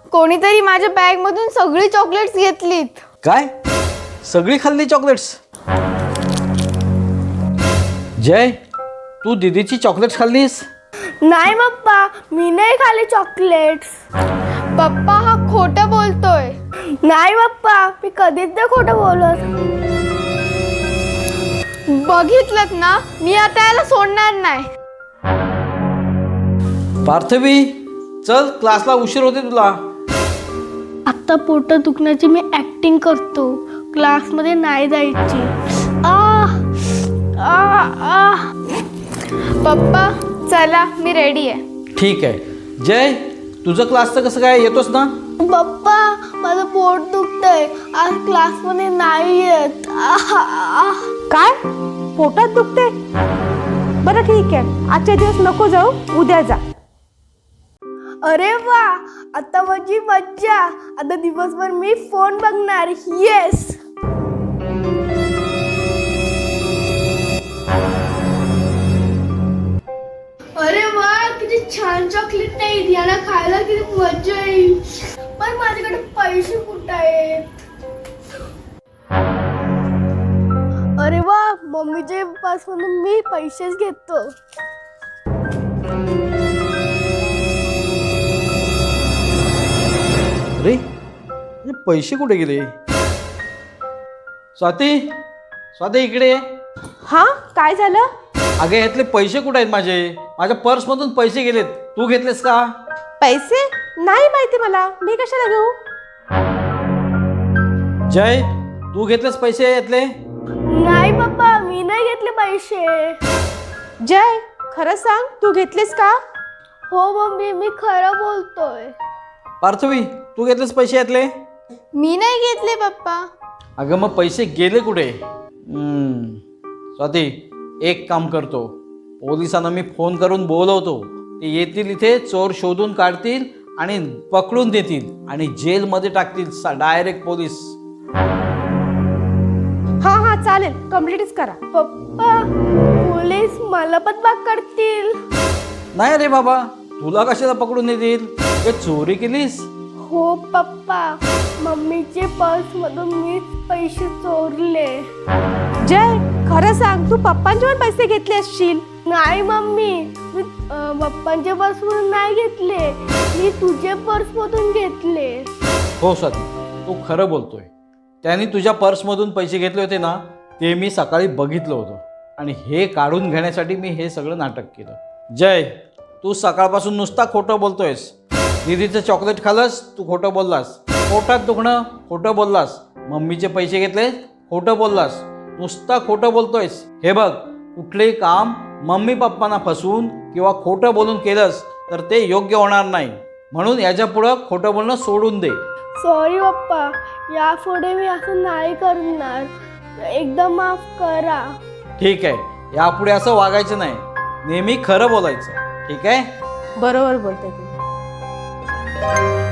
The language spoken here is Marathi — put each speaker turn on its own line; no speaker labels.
कोणीतरी माझ्या बॅग मधून सगळी चॉकलेट्स घेतलीत.
काय? सगळी खाल्ली चॉकलेट्स? जय, तू दीदीची चॉकलेट्स खाल्लीस?
नाही पप्पा, मी नाही खाल्ली चॉकलेट्स.
पप्पा हा खोटं बोलतोय.
नाही पप्पा, मी कधीच नाही खोटं बोलत.
बघितलत ना, मी आता याला सोडणार नाही.
पार्थवी, चल क्लासला उशीर होते तुला.
आता पोट दुखण्याची मी ऍक्टिंग करतो, क्लासमध्ये नाही जायची. आ आ आ
पप्पा चला, मी रेडी आहे.
ठीक आहे. जय, तुझं क्लासचं कसं काय, येतोस ना?
पप्पा, माझं पोट दुखतंय, आज क्लासमध्ये नाही येत.
काय? पोटात दुखते? बरं ठीक आहे, आजच्या दिवस नको जाऊ, उद्या जा.
अरे वा, आता माझी मज्जा. आता दिवसभर मी फोन बघणार. येस. अरे वा, किती छान चॉकलेट आहे. याला खायला किती मजा येईल. पण माझ्याकडे पैसे कुठे आहेत? अरे वा, मम्मीच्या पासून मी पैसेच घेतो.
अरे, हे पैसे कुठे गेले? स्वाती, स्वाती इकडे ये.
हां, काय झालं?
अगे, यातले पैसे कुठे आहेत माझे? माझ्या पर्समधून पैसे गेलेत. तू घेतलेस का?
पैसे? नाही माहिती मला, मी कशाला घेऊ?
जय, तू घेतलेस पैसे यातले?
नाही पप्पा, मी नाही घेतले पैसे.
जय, खरं सांग, तू घेतलीस का?
हो मम्मी, मी खरं बोलतोय.
पार्थवी, तू घेतलेस पैसे यातले?
मी नाही घेतले पप्पा.
अगं, मग पैसे गेले कुठे? स्वाती, एक काम करतो, पोलिसांना मी फोन करून बोलवतो. ते येतील इथे, चोर शोधून काढतील आणि पकडून देतील आणि जेलमध्ये टाकतील डायरेक्ट पोलीस.
हां हां, चालेल, कम्प्लीटच करा.
पप्पा, पोलीस मला पण पकडतील.
नाही रे बाबा, तुला कशाला पकडून देतील? ते चोरी केलीस?
हो पप्पा, मम्मीचे पर्स मधून मी पैसे चोरले.
जय, खरं सांग, तू पप्पांचे पण पैसे घेतले असशील.
नाही मम्मी, मी पप्पांच्या पर्स मधून नाही घेतले, मी तुझे पर्स मधून घेतले.
हो स्वाती, तू खरं बोलतोय. त्यांनी तुझ्या पर्समधून पैसे घेतले होते ना, ते मी सकाळी बघितलं होतं आणि हे काढून घेण्यासाठी मी हे सगळं नाटक केलं. जय, तू सकाळपासून नुसता खोटं बोलतोयस. दीदीचं चॉकलेट खाल्लंस, तू खोटं बोललास. पोटात दुखणं, खोटं बोललास. मम्मीचे पैसे घेतले, खोटं बोललास. नुसता खोटं बोलतोयस. हे बघ, कुठलेही काम मम्मी पप्पांना फसवून किंवा खोटं बोलून केलंस तर ते योग्य होणार नाही. म्हणून याच्यापुढं खोटं बोलणं सोडून दे.
सॉरी पप्पा, यापुढे मी असं नाही करणार. एकदा माफ करा.
ठीक आहे, यापुढे असं वागायचं नाही. नेहमी खरं बोलायचं. ठीक आहे?
बरोबर बोलते तू.